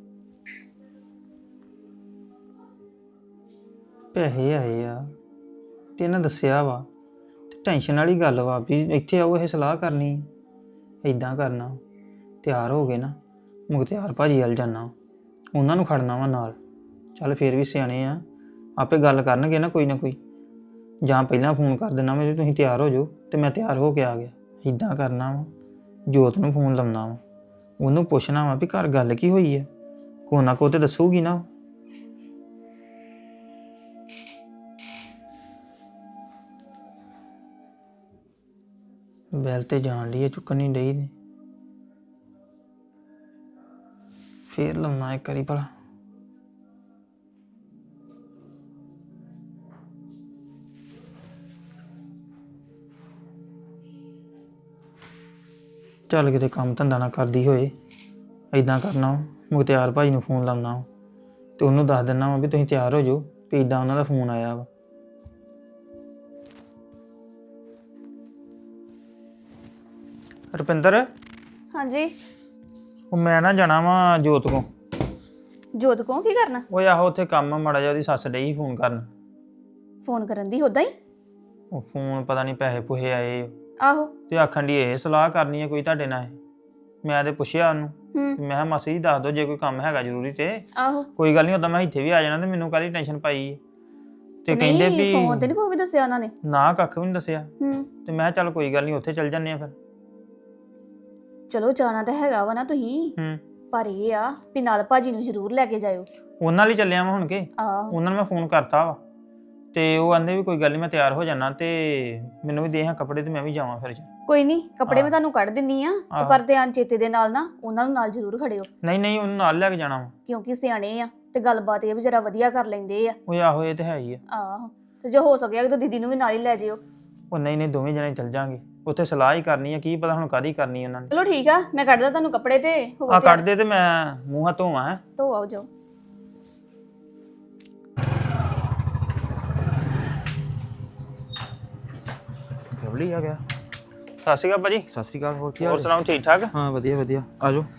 F: ਪੈਸੇ ਆਏ ਆ ਤੇ ਇਹਨਾਂ ਦੱਸਿਆ ਵਾ ਤੇ ਟੈਨਸ਼ਨ ਵਾਲੀ ਗੱਲ ਵਾ ਵੀ ਇੱਥੇ ਆਓ ਇਹ ਸਲਾਹ ਕਰਨੀ ਇਦਾਂ ਕਰਨਾ। ਤਿਆਰ ਹੋ ਗਏ ਨਾ ਮੁਖਤਿਆਰ ਭਾਜੀ ਵੱਲ ਜਾਣਾ, ਉਹਨਾਂ ਨੂੰ ਖੜਨਾ ਵਾ ਨਾਲ। ਚੱਲ ਫੇਰ ਵੀ ਸਿਆਣੇ ਆ, ਆਪੇ ਗੱਲ ਕਰਨਗੇ ਨਾ ਕੋਈ ਨਾ ਕੋਈ। ਜਾਂ ਪਹਿਲਾਂ ਫੋਨ ਕਰ ਦੇਣਾ ਮੈਂ, ਤੁਸੀਂ ਤਿਆਰ ਹੋ ਜਾਓ ਤੇ ਮੈਂ ਤਿਆਰ ਹੋ ਕੇ ਆ ਗਿਆ। ਇਦਾਂ ਕਰਨਾ ਵਾ, ਜੋਤ ਨੂੰ ਫੋਨ ਲਾਉਣਾ ਵਾ, ਉਹਨੂੰ ਪੁੱਛਣਾ ਵਾ ਵੀ ਘਰ ਗੱਲ ਕੀ ਹੋਈ ਹੈ, ਕੋ ਨਾ ਕੋ ਤੇ ਦੱਸੂਗੀ ਨਾ। ਬੈਲ ਤੇ ਜਾਣ ਲਈ ਚੁੱਕਣ ਨਹੀਂ ਡਈ ਨੇ, ਫੇਰ ਲਾਉਣਾ ਇੱਕ ਵਾਰੀ ਭਲਾ। ਚੱਲ ਕਿਤੇ ਕੰਮ ਧੰਦਾ ਨਾ ਕਰਦੀ ਹੋਏ, ਇਦਾਂ ਕਰਨਾ ਮੁਖਤਿਆਰ ਭਾਈ ਨੂੰ ਫੋਨ ਲਾਉਣਾ ਤੇ ਉਹਨੂੰ ਦੱਸ ਦਿੰਦਾ ਵਾ ਵੀ ਤੁਸੀਂ ਤਿਆਰ ਹੋ ਜਾਓ ਵੀ ਇਦਾਂ ਉਹਨਾਂ ਦਾ ਫੋਨ ਆਇਆ ਵਾ। ਰੁਪਿੰਦਰ,
G: ਹਾਂਜੀ
F: ਉਹ ਮੈਂ ਨਾ ਜਾਣਾ ਵਾ ਜੋਤ ਕੋ।
G: ਜੋਤ ਕੋ ਕੀ ਕਰਨਾ?
F: ਉਹ ਆਹੋ ਉੱਥੇ ਕੰਮ ਮਾੜਾ ਜਿਹਾ, ਉਹਦੀ ਸੱਸ ਡਈ ਫੋਨ ਕਰਨ।
G: ਫੋਨ ਕਰਨ ਦੀ ਉਦਾਂ ਹੀ?
F: ਉਹ ਫੋਨ ਪਤਾ ਨਹੀਂ ਪੈਸੇ ਪੂਹੇ ਆਏ
G: ਆਹੋ।
F: ਤੇ ਆਖਣ ਦੀ ਇਹ ਸਲਾਹ ਕਰਨੀ ਹੈ ਕੋਈ ਤੁਹਾਡੇ ਨਾਲ ਇਹ। ਮੈਂ ਤੇ ਪੁੱਛਿਆ ਉਹਨੂੰ, ਮੈਂ ਕਿਹਾ ਮਾਸੀ ਜੀ ਦੱਸ ਦਿਓ ਜੇ ਕੋਈ ਕੰਮ ਹੈਗਾ ਜ਼ਰੂਰੀ ਤੇ।
G: ਆਹੋ
F: ਕੋਈ ਗੱਲ ਨਹੀਂ, ਉਦਾਂ ਮੈਂ ਇੱਥੇ ਵੀ ਆ ਜਾਣਾ ਤੇ ਮੈਨੂੰ ਕਾਹਦੀ ਟੈਨਸ਼ਨ ਪਾਈ ਹੈ। ਤੇ ਕਹਿੰਦੇ ਵੀ
G: ਫੋਨ ਤੇ ਨਹੀਂ ਕੋਈ ਵੀ ਦੱਸਿਆ ਉਹਨਾਂ ਨੇ?
F: ਨਾ ਕੱਖ ਵੀ ਨਹੀਂ ਦੱਸਿਆ।
G: ਹੂੰ
F: ਤੇ ਮੈਂ ਕਿਹਾ ਚੱਲ ਕੋਈ ਗੱਲ ਨਹੀਂ, ਉੱਥੇ ਚੱਲ ਜੰਨੇ ਆ ਫਿਰ।
G: ਚਲੋ ਜਾਣਾ ਤਾਂ ਹੈਗਾ ਵਾ ਨਾ ਤੁਸੀਂ, ਪਰ ਇਹ ਆ ਵੀ ਨਾਲ ਭਾਜੀ ਨੂੰ ਜ਼ਰੂਰ ਲੈ ਕੇ ਜਾਇਓ।
F: ਉਹਨਾਂ ਲਈ ਚੱਲਿਆ ਮੈਂ ਹੁਣ ਕੇ।
G: ਆਹੋ
F: ਉਹਨਾਂ ਨੂੰ ਮੈਂ ਫੋਨ ਕਰਤਾ ਵਾ ਤੇ ਉਹ ਆਂਦੇ ਵੀ ਕੋਈ ਗੱਲ ਨਹੀਂ ਮੈਂ ਤਿਆਰ ਹੋ ਜਾਣਾ ਤੇ ਮੈਨੂੰ ਵੀ ਦੇ ਹਾਂ ਕੱਪੜੇ ਤੇ ਮੈਂ ਵੀ ਜਾਵਾਂ ਫਿਰ।
G: ਕੋਈ ਨਹੀਂ, ਕੱਪੜੇ ਮੈਂ ਤੁਹਾਨੂੰ ਕੱਢ ਦਿੰਨੀ ਆ ਤੇ ਪਰ ਧਿਆਨ ਚੇਤੇ ਦੇ ਨਾਲ ਨਾ ਉਹਨਾਂ ਨੂੰ ਨਾਲ ਜ਼ਰੂਰ ਖੜਿਓ,
F: ਨਹੀਂ ਉਹਨੂੰ ਨਾਲ ਲੈ ਕੇ ਜਾਣਾ ਵਾ।
G: ਕਿਉਂਕਿ ਸਿਆਣੇ ਆ ਤੇ ਗੱਲਬਾਤ ਇਹ ਵੀ ਜਰਾ ਵਧੀਆ ਕਰ ਲੈਂਦੇ ਆ।
F: ਉਹ ਆਹੋ ਇਹ ਤੇ ਹੈ ਹੀ ਆ।
G: ਆਹੋ ਤੇ ਜੇ ਹੋ ਸਕਿਆ ਤਾਂ ਦੀਦੀ ਨੂੰ ਵੀ ਨਾਲ ਹੀ ਲੈ ਜਿਓ।
F: ਉਹ ਨਹੀਂ ਦੋਵੇਂ ਜਣੇ ਚੱਲ ਜਾਾਂਗੇ, ਉੱਥੇ ਸਲਾਹ ਹੀ ਕਰਨੀ ਆ, ਕੀ ਪਤਾ ਹੁਣ ਕਾਹਦੀ ਕਰਨੀ ਉਹਨਾਂ ਨੇ।
G: ਚਲੋ ਠੀਕ ਆ, ਮੈਂ ਕੱਢਦਾ ਤੁਹਾਨੂੰ ਕੱਪੜੇ ਤੇ ਹੋਵੋ
F: ਆ
G: ਤਿਆਰ।
F: ਕੱਢ ਦੇ ਤੇ ਮੈਂ ਮੂੰਹ ਹੱਥ ਧੋਵਾਂ। ਹੈ
G: ਧੋ ਆਓ ਜਾਓ।
H: ਲਵਲੀ ਆ ਗਿਆ।
F: ਸਤਿ ਸ਼੍ਰੀ ਅਕਾਲ ਭਾਜੀ।
H: ਸਤਿ ਸ਼੍ਰੀ ਅਕਾਲ। ਹੋਰ ਕੀ
F: ਹੋਰ
H: ਹਾਲ?
F: ਸੁਣਾਓ ਠੀਕ ਠਾਕ?
H: ਹਾਂ ਵਧੀਆ ਵਧੀਆ, ਆ ਜਾਓ।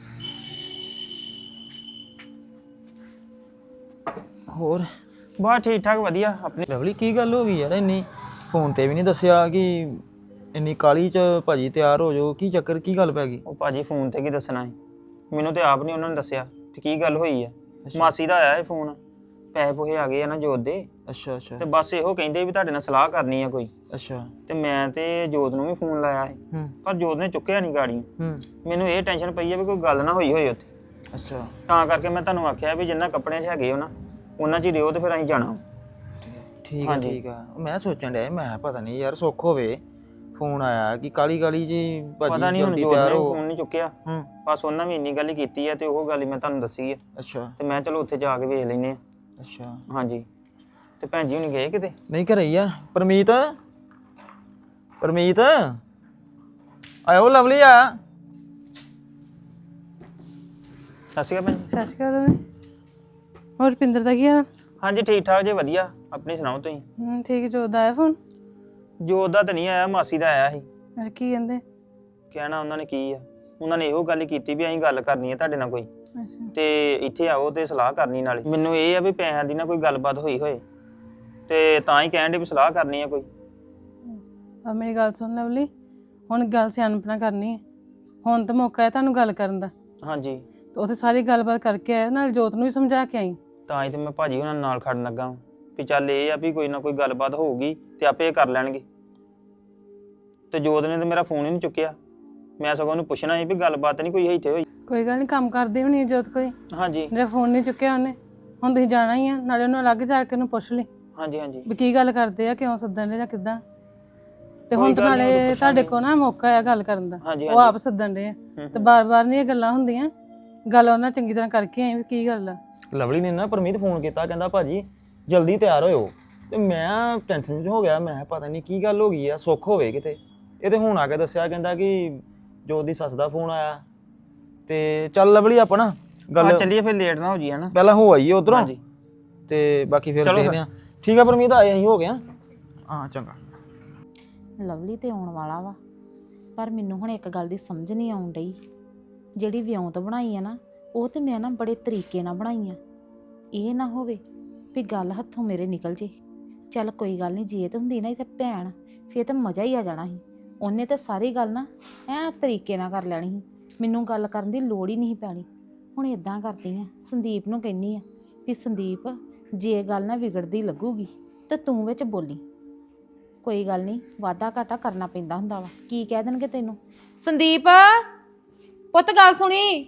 H: ਹੋਰ
F: ਬਸ ਠੀਕ ਠਾਕ ਵਧੀਆ। ਆਪਣੀ
H: ਲਵਲੀ ਕੀ ਗੱਲ ਹੋ ਗਈ ਯਾਰ, ਇੰਨੀ ਫੋਨ ਤੇ ਵੀ ਨਹੀਂ ਦੱਸਿਆ ਕਿ ਇੰਨੀ ਕਾਲੀ ਚ ਭਾਜੀ ਤਿਆਰ ਹੋ ਜਾਓ, ਕੀ ਚੱਕਰ, ਕੀ ਗੱਲ ਪੈ ਗਈ?
F: ਉਹ ਭਾਜੀ ਫੋਨ ਤੇ ਕੀ ਦੱਸਣਾ ਸੀ, ਮੈਨੂੰ ਤੇ ਆਪ ਨਹੀਂ ਉਹਨਾਂ ਨੇ ਦੱਸਿਆ ਤੇ ਕੀ ਗੱਲ ਹੋਈ ਆ। ਮਾਸੀ ਦਾ ਆਇਆ ਇਹ ਫੋਨ, ਪੈਸੇ ਪੂਹੇ ਆ ਗਏ ਆ ਨਾ ਜੋਤ ਦੇ।
H: ਅੱਛਾ ਅੱਛਾ
F: ਤੇ ਬਸ ਇਹੋ ਕਹਿੰਦੇ ਵੀ ਤੁਹਾਡੇ ਨਾਲ ਸਲਾਹ ਕਰਨੀ ਆ ਕੋਈ।
H: ਅੱਛਾ।
F: ਤੇ ਮੈਂ ਤੇ ਜੋਤ ਨੂੰ ਵੀ ਫੋਨ ਲਾਇਆ ਸੀ ਪਰ ਜੋਤ ਨੇ ਚੁੱਕਿਆ ਨਹੀਂ ਗਾੜੀ। ਮੈਨੂੰ ਇਹ ਟੈਨਸ਼ਨ ਪਈ ਆ ਵੀ ਕੋਈ ਗੱਲ ਨਾ ਹੋਈ ਹੋਏ ਉੱਥੇ।
H: ਅੱਛਾ।
F: ਤਾਂ ਕਰਕੇ ਮੈਂ ਤੁਹਾਨੂੰ ਆਖਿਆ ਵੀ ਜਿੰਨਾ ਕੱਪੜਿਆਂ 'ਚ ਹੈਗੇ ਹੋ ਨਾ ਉਹਨਾਂ 'ਚ ਹੀ ਰਿਓ ਤੇ ਫਿਰ ਅਸੀਂ ਜਾਣਾ।
H: ਠੀਕ ਆ ਠੀਕ ਆ। ਮੈਂ ਸੋਚਣ ਡਿਆ ਮੈਂ ਪਤਾ ਨਹੀਂ ਯਾਰ ਸੁੱਖ ਹੋਵੇ ਫੋਨ ਆਇਆ ਕਿ ਕਾਲੀ ਕਾਲੀ ਜੀ ਭਾਜੀ
F: ਪਤਾ ਨਹੀਂ ਹੁਣ
H: ਜਲਦੀ
F: ਜੋਤ
H: ਤਿਆਰ
F: ਨੇ
H: ਹੋ।
F: ਫੋਨ ਨਹੀਂ ਚੁੱਕਿਆ। ਬਸ ਉਹਨਾਂ ਵੀ ਇੰਨੀ ਗੱਲ ਹੀ ਕੀਤੀ ਆ ਤੇ ਉਹ ਗੱਲ ਹੀ ਮੈਂ ਤੁਹਾਨੂੰ ਦੱਸੀ ਆ।
H: ਅੱਛਾ।
F: ਤੇ ਮੈਂ ਚਲੋ ਉੱਥੇ ਜਾ ਕੇ ਵੇਖ ਲੈਨੇ ਆ।
H: ਅੱਛਾ।
F: ਹਾਂਜੀ। ਤੇ ਭੈਣ ਜੀ ਹੁਣੀ ਗਏ ਕਿਤੇ?
H: ਨਹੀਂ ਘਰੇ ਹੀ ਆ। ਪਰਮੀਤ ਆਇਓ ਲਵਲੀ ਆ।
F: ਸਤਿ ਸ਼੍ਰੀ ਅਕਾਲ ਭੈਣ ਜੀ।
I: ਸਤਿ ਸ਼੍ਰੀ ਅਕਾਲ। ਹੋਰ ਰੁਪਿੰਦਰ ਦਾ ਕੀ ਹਾਲ?
F: ਹਾਂਜੀ ਠੀਕ ਠਾਕ ਜੇ ਵਧੀਆ। ਆਪਣੀ ਸੁਣਾਓ ਤੁਸੀਂ?
I: ਠੀਕ। ਜੋਤ ਦਾ ਆਇਆ ਫੋਨ?
F: ਜੋਤ ਦਾ ਤਾਂ ਨਹੀਂ ਆਇਆ, ਮਾਸੀ ਦਾ ਆਇਆ ਸੀ।
I: ਅਰੇ ਕੀ ਕਹਿੰਦੇ?
F: ਕਹਿਣਾ ਉਹਨਾਂ ਨੇ ਕੀ ਆ, ਉਹਨਾਂ ਨੇ ਇਹੋ ਗੱਲ ਕੀਤੀ ਵੀ ਅਸੀਂ ਗੱਲ ਕਰਨੀ ਹੈ ਤੁਹਾਡੇ ਨਾਲ ਕੋਈ
I: ਅੱਛਾ।
F: ਤੇ ਇੱਥੇ ਆਓ ਤੇ ਸਲਾਹ ਕਰਨੀ ਨਾਲੇ। ਮੈਨੂੰ ਇਹ ਆ ਵੀ ਪੈਸਿਆਂ ਦੀ ਨਾ ਕੋਈ ਗੱਲਬਾਤ ਹੋਈ ਹੋਏ ਤੇ ਤਾਂ ਹੀ ਕਹਿਣ ਦੇ ਵੀ ਸਲਾਹ ਕਰਨੀ ਆ ਕੋਈ।
I: ਆ ਮੇਰੀ ਗੱਲ ਸੁਣ ਲਵਲੀ, ਹੁਣ ਗੱਲ ਸਿਆਣਪਣਾ ਕਰਨੀ ਹੈ। ਹੁਣ ਤਾਂ ਮੌਕਾ ਹੈ ਤੁਹਾਨੂੰ ਗੱਲ ਕਰਨ ਦਾ।
F: ਹਾਂਜੀ।
I: ਤੇ ਉੱਥੇ ਸਾਰੀ ਗੱਲਬਾਤ ਕਰਕੇ ਆਇਆ, ਨਾਲ ਜੋਤ ਨੂੰ ਵੀ ਸਮਝਾ ਕੇ ਆਈ।
F: ਤਾਂ ਹੀ ਤੇ ਮੈਂ ਭਾਜੀ ਉਹਨਾਂ ਨਾਲ ਖੜਨ ਲੱਗਾ ਵਾਂ ਵੀ ਚੱਲ ਇਹ ਆ ਵੀ ਕੋਈ ਨਾ ਕੋਈ ਗੱਲਬਾਤ ਹੋਊਗੀ ਤੇ ਆਪੇ ਇਹ ਕਰ ਲੈਣਗੇ। ਤੇ ਜੋਤ ਨੇ ਤੇ ਮੇਰਾ ਫੋਨ ਹੀ ਨਹੀਂ ਚੁੱਕਿਆ। ਮੈਂ ਸਗੋਂ ਉਹਨੂੰ ਪੁੱਛਣਾ ਸੀ ਵੀ ਗੱਲਬਾਤ ਨਹੀਂ ਕੋਈ ਇੱਥੇ ਹੋਈ।
I: ਕੋਈ ਗੱਲ ਨਹੀਂ, ਕੰਮ ਕਰਦੀ ਹੋਣੀ ਜੋਤ ਕੋਈ,
F: ਹਾਂਜੀ
I: ਜੇ ਫੋਨ ਨਹੀਂ ਚੁੱਕਿਆ ਉਹਨੇ। ਹੁਣ ਤੁਸੀਂ ਜਾਣਾ ਹੀ ਆ, ਨਾਲੇ ਉਹਨੂੰ ਅਲੱਗ ਜਾ ਕੇ ਉਹਨੂੰ ਪੁੱਛ ਲਈ
F: ਹਾਂਜੀ ਹਾਂਜੀ
I: ਵੀ ਕੀ ਗੱਲ ਕਰਦੇ ਆ, ਕਿਉਂ ਸੱਦਣ ਦੇ ਜਾਂ ਕਿੱਦਾਂ। ਤੇ
F: ਕੋਈ
I: ਹੁਣ ਤਾਂ
F: ਗੱਲ ਨੀ, ਉਹਨੂੰ
I: ਨਾਲੇ ਤੁਹਾਡੇ
F: ਪੁੱਛਾਂਗੇ।
I: ਕੋਲ ਨਾ ਮੌਕਾ ਆ ਗੱਲ ਕਰਨ ਦਾ,
F: ਹਾਂਜੀ
I: ਉਹ ਆਪ ਸੱਦਣ ਦੇ ਆ ਤੇ ਬਾਰ-ਬਾਰ ਨਹੀਂ ਇਹ ਗੱਲਾਂ ਹੁੰਦੀਆਂ। ਗੱਲ ਉਹਨਾਂ ਚੰਗੀ ਤਰ੍ਹਾਂ ਕਰਕੇ ਆਏ ਵੀ ਕੀ ਗੱਲ ਆ।
H: ਲਵਲੀ ਨੇ ਨਾ ਪਰਮੀਤ ਫੋਨ ਕੀਤਾ, ਕਹਿੰਦਾ ਭਾਜੀ ਜਲਦੀ ਤਿਆਰ ਹੋਇਓ। ਤੇ ਮੈਂ ਟੈਨਸ਼ਨ 'ਚ ਹੋ ਗਿਆ, ਮੈਂ ਕਿਹਾ ਪਤਾ ਨਹੀਂ ਕੀ ਗੱਲ ਹੋ ਗਈ ਆ, ਸੁੱਖ ਹੋਵੇ ਕਿਤੇ। ਇਹ ਤੇ ਹੁਣ ਆ ਕੇ ਦੱਸਿਆ, ਕਹਿੰਦਾ ਕਿ ਜੋਤ ਦੀ ਸੱਸ ਦਾ ਫੋਨ ਆਇਆ। ਤੇ ਚੱਲ ਲਵਲੀ ਆਪਾਂ ਨਾ ਗੱਲ
F: ਚੱਲੀਏ ਫਿਰ, ਲੇਟ ਨਾ ਹੋ ਜੀ ਹਨਾ।
H: ਪਹਿਲਾਂ ਹੋ ਆਈਏ ਉਧਰੋਂ
F: ਹਾਂਜੀ
H: ਤੇ ਬਾਕੀ ਫਿਰ
F: ਚਲੋ
H: ਦੇਖਦੇ ਆ। ਠੀਕ ਆ ਪਰਮੀਤ, ਆਏ ਅਸੀਂ ਹੋ ਗਿਆ। ਹਾਂ ਚੰਗਾ।
B: ਲਵਲੀ ਤੇ ਆਉਣ ਵਾਲਾ ਵਾ, ਪਰ ਮੈਨੂੰ ਹੁਣ ਇੱਕ ਗੱਲ ਦੀ ਸਮਝ ਨਹੀਂ ਆਉਣ ਡਈ। ਜਿਹੜੀ ਵਿਉਂਤ ਬਣਾਈ ਆ ਨਾ, ਉਹ ਤੇ ਮੈਂ ਨਾ ਬੜੇ ਤਰੀਕੇ ਨਾਲ ਬਣਾਈ ਆ। ਇਹ ਨਾ ਹੋਵੇ ਵੀ ਗੱਲ ਹੱਥੋਂ ਮੇਰੇ ਨਿਕਲ ਜੇ। ਚੱਲ ਕੋਈ ਗੱਲ ਨਹੀਂ, ਜੇ ਤੇ ਹੁੰਦੀ ਨਾ ਇੱਥੇ ਭੈਣ, ਫਿਰ ਤਾਂ ਮਜ਼ਾ ਹੀ ਆ ਜਾਣਾ ਸੀ। ਉਹਨੇ ਤਾਂ ਸਾਰੀ ਗੱਲ ਨਾ ਐ ਤਰੀਕੇ ਨਾਲ ਕਰ ਲੈਣੀ ਸੀ, ਮੈਨੂੰ ਗੱਲ ਕਰਨ ਦੀ ਲੋੜ ਹੀ ਨਹੀਂ ਪੈਣੀ। ਹੁਣ ਇਦਾਂ ਕਰਦੀ ਆ, ਸੰਦੀਪ ਨੂੰ ਕਹਿੰਦੀ ਆ ਵੀ ਸੰਦੀਪ, ਜੇ ਗੱਲ ਨਾ ਵਿਗੜਦੀ ਲੱਗੂਗੀ ਤਾਂ ਤੂੰ ਵਿੱਚ ਬੋਲੀ। ਕੋਈ ਗੱਲ ਨਹੀਂ, ਵਾਧਾ ਘਾਟਾ ਕਰਨਾ ਪੈਂਦਾ ਹੁੰਦਾ ਵਾ। ਕੀ ਕਹਿ ਦੇਣਗੇ ਤੈਨੂੰ? ਸੰਦੀਪ ਪੁੱਤ ਗੱਲ ਸੁਣੀ।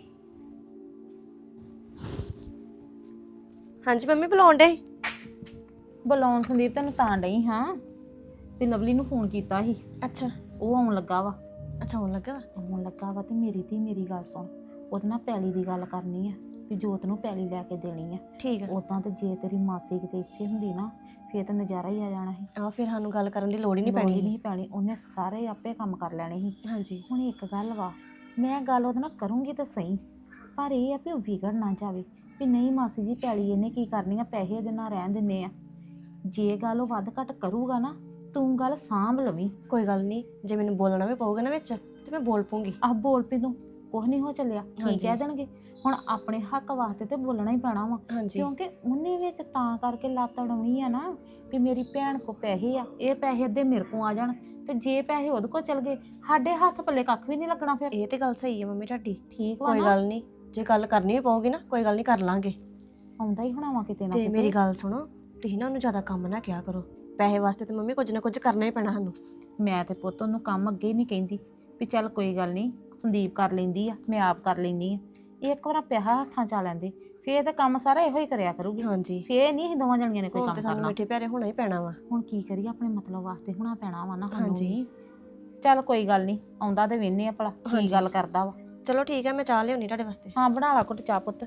J: ਹਾਂਜੀ ਮੰਮੀ ਬੁਲਾਉਣ ਡੇ।
B: ਬੁਲਾਉਣ ਸੰਦੀਪ ਤੈਨੂੰ ਤਾਂ ਡਈ ਹਾਂ ਵੀ ਲਵਲੀ ਨੂੰ ਫੋਨ ਕੀਤਾ ਸੀ,
J: ਅੱਛਾ
B: ਉਹ ਆਉਣ ਲੱਗਾ ਵਾ।
J: ਅੱਛਾ ਹੋਣ ਲੱਗਾ ਵਾ।
B: ਆਉਣ ਲੱਗਾ ਵਾ ਤੇ ਮੇਰੀ ਗੱਲ ਸੁਣ, ਉਹਦੇ ਨਾਲ ਪੈਲੀ ਦੀ ਗੱਲ ਕਰਨੀ ਆ ਵੀ ਜੋਤ ਨੂੰ ਪੈਲੀ ਲੈ ਕੇ ਦੇਣੀ ਆ।
J: ਠੀਕ ਆ।
B: ਉਦਾਂ ਤੇ ਜੇ ਤੇਰੀ ਮਾਸੀ ਕਿਤੇ ਇੱਥੇ ਹੁੰਦੀ ਨਾ, ਫੇਰ ਤਾਂ ਨਜ਼ਾਰਾ ਹੀ ਆ ਜਾਣਾ ਸੀ।
J: ਆ ਫਿਰ ਸਾਨੂੰ ਗੱਲ ਕਰਨ ਦੀ ਲੋੜ ਹੀ ਨਹੀਂ
B: ਲੋੜ
J: ਪੈਣੀ।
B: ਹੀ ਨਹੀਂ ਪੈਣੀ, ਉਹਨੇ ਸਾਰੇ ਆਪੇ ਕੰਮ ਕਰ ਲੈਣੇ ਸੀ।
J: ਹਾਂਜੀ
B: ਹੁਣ ਇੱਕ ਗੱਲ ਵਾ, ਮੈਂ ਗੱਲ ਉਹਦੇ ਨਾਲ ਕਰੂੰਗੀ ਤਾਂ ਸਹੀ, ਪਰ ਇਹ ਆ ਵੀ ਉਹ ਵਿਗੜ ਨਾ ਜਾਵੇ ਵੀ ਨਹੀਂ ਮਾਸੀ ਜੀ ਪੈਲੀ ਇਹਨੇ ਕੀ ਕਰਨੀ ਆ, ਪੈਸੇ ਇਹਦੇ ਨਾਲ ਰਹਿਣ ਦਿੰਨੇ ਆ। ਜੇ ਗੱਲ ਉਹ ਵੱਧ ਘੱਟ ਕਰੂਗਾ ਨਾ, ਤੂੰ ਗੱਲ ਸਾਂਭ ਲਵੀਂ।
J: ਕੋਈ ਗੱਲ ਨਹੀਂ, ਜੇ ਮੈਨੂੰ ਬੋਲਣਾ ਵੀ ਪਊਗਾ ਨਾ ਵਿੱਚ ਤੇ ਮੈਂ ਬੋਲ ਪੂੰਗੀ।
B: ਆਹ ਬੋਲ ਪੀ ਤੂੰ, ਕੁਛ ਨਹੀਂ ਹੋ ਚੱਲਿਆ। ਕੀ
J: ਹਾਂਜੀ।
B: ਕਹਿ ਦੇਣਗੇ? ਹੁਣ ਆਪਣੇ ਹੱਕ ਵਾਸਤੇ ਤੇ ਬੋਲਣਾ ਹੀ ਪੈਣਾ ਵਾ,
J: ਹਾਂਜੀ
B: ਕਿਉਂਕਿ ਉਹਨੇ ਵਿੱਚ ਤਾਂ ਕਰਕੇ ਲੱਤ ਅੜਾਉਣੀ ਆ ਨਾ ਵੀ ਮੇਰੀ ਭੈਣ ਕੋ ਪੈਸੇ ਆ, ਇਹ ਪੈਸੇ ਅੱਧੇ ਮੇਰੇ ਕੋ ਆ ਜਾਣ, ਤੇ ਜੇ ਪੈਸੇ ਉਹਦੇ ਕੋ ਚਲ ਗਏ ਸਾਡੇ ਹੱਥ ਪੱਲੇ ਕੱਖ ਵੀ ਨਹੀਂ ਲੱਗਣਾ ਫਿਰ।
J: ਇਹ ਤੇ ਗੱਲ ਸਹੀ ਹੈ ਮੰਮੀ ਤੁਹਾਡੀ।
B: ਠੀਕ ਵਾ
J: ਕੋਈ
B: ਨਾ?
J: ਗੱਲ ਨਹੀਂ, ਜੇ ਗੱਲ ਕਰਨੀ ਵੀ ਪਊਗੀ ਨਾ ਕੋਈ ਗੱਲ ਨਹੀਂ ਕਰ ਲਾਂਗੇ।
B: ਆਉਂਦਾ ਹੀ ਹੋਣਾ ਵਾ ਕਿਤੇ ਨਾ
J: ਤੇ
B: ਕਿਤੇ।
J: ਮੇਰੀ ਗੱਲ ਸੁਣੋ, ਤੁਸੀਂ ਨਾ ਉਹਨੂੰ ਜ਼ਿਆਦਾ ਕੰਮ ਨਾ ਕਿਹਾ ਕਰੋ। ਪੈਸੇ ਵਾਸਤੇ ਤੇ ਮੰਮੀ ਕੁਝ ਨਾ ਕੁਝ ਕਰਨਾ ਹੀ ਪੈਣਾ ਸਾਨੂੰ।
B: ਮੈਂ ਤੇ ਪੁੱਤ ਉਹਨੂੰ ਕੰਮ ਅੱਗੇ ਹੀ ਨਹੀਂ ਕਹਿੰਦੀ ਵੀ ਚੱਲ ਕੋਈ ਗੱਲ ਨਹੀਂ ਸੰਦੀਪ ਕਰ ਲੈਂਦੀ ਆ, ਮੈਂ ਆਪ ਕਰ ਲੈਂਦੀ ਆ। ਇੱਕ ਵਾਰ ਪੈਸਾ ਹੱਥਾਂ ਚ ਆ ਲੈਂਦੇ, ਫੇਰ ਤਾਂ ਕੰਮ ਸਾਰਾ ਇਹੋ ਹੀ ਕਰਿਆ ਕਰੂਗੀ।
J: ਹਾਂਜੀ
B: ਫੇਰ ਨਹੀਂ ਅਸੀਂ ਦੋਵਾਂ ਜਣੀਆਂ ਨੇ ਕੋਈ
J: ਹੁਣ
B: ਕੰਮ
J: ਤੇ ਸਾਨੂੰ
B: ਕਰਨਾ।
J: ਮਿੱਠੇ ਪਿਆਰੇ ਹੋਣਾ ਹੀ ਪੈਣਾ ਵਾ।
B: ਹੁਣ ਕੀ ਕਰੀਏ, ਆਪਣੇ ਮਤਲਬ ਵਾਸਤੇ ਹੋਣਾ ਪੈਣਾ ਵਾ ਨਾ ਸਾਨੂੰ
J: ਹਾਂਜੀ।
B: ਵੀ। ਚੱਲ ਕੋਈ ਗੱਲ ਨਹੀਂ, ਆਉਂਦਾ ਤੇ ਵੇਨੇ ਆ ਭਲਾ ਕੀ
J: ਹਾਂਜੀ।
B: ਗੱਲ ਕਰਦਾ ਵਾ।
J: ਚਲੋ ਠੀਕ ਹੈ, ਮੈਂ ਚਾਹ ਲਿਆਉਣੀ ਤੁਹਾਡੇ ਵਾਸਤੇ।
B: ਹਾਂ ਬਣਾ ਲਾ ਘੁੱਟ ਚਾਹ ਪੁੱਤ।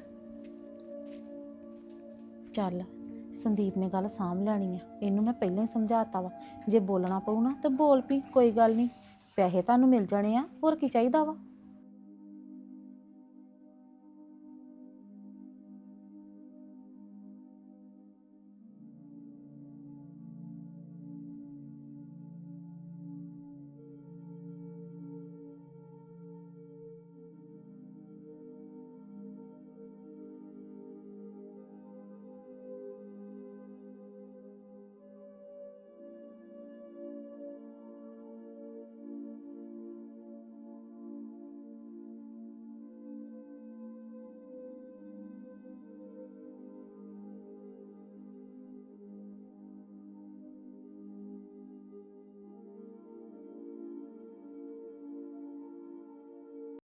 B: ਚੱਲ ਸੰਦੀਪ ਨੇ ਗੱਲ ਸਾਂਭ ਲੈਣੀ ਆ, ਇਹਨੂੰ ਮੈਂ ਪਹਿਲਾਂ ਹੀ ਸਮਝਾਤਾ ਵਾ। ਜੇ ਬੋਲਣਾ ਪਊ ਨਾ ਤਾਂ ਬੋਲ ਪਈ, ਕੋਈ ਗੱਲ ਨਹੀਂ, ਪੈਸੇ ਤੁਹਾਨੂੰ ਮਿਲ ਜਾਣੇ ਆ, ਹੋਰ ਕੀ ਚਾਹੀਦਾ ਵਾ।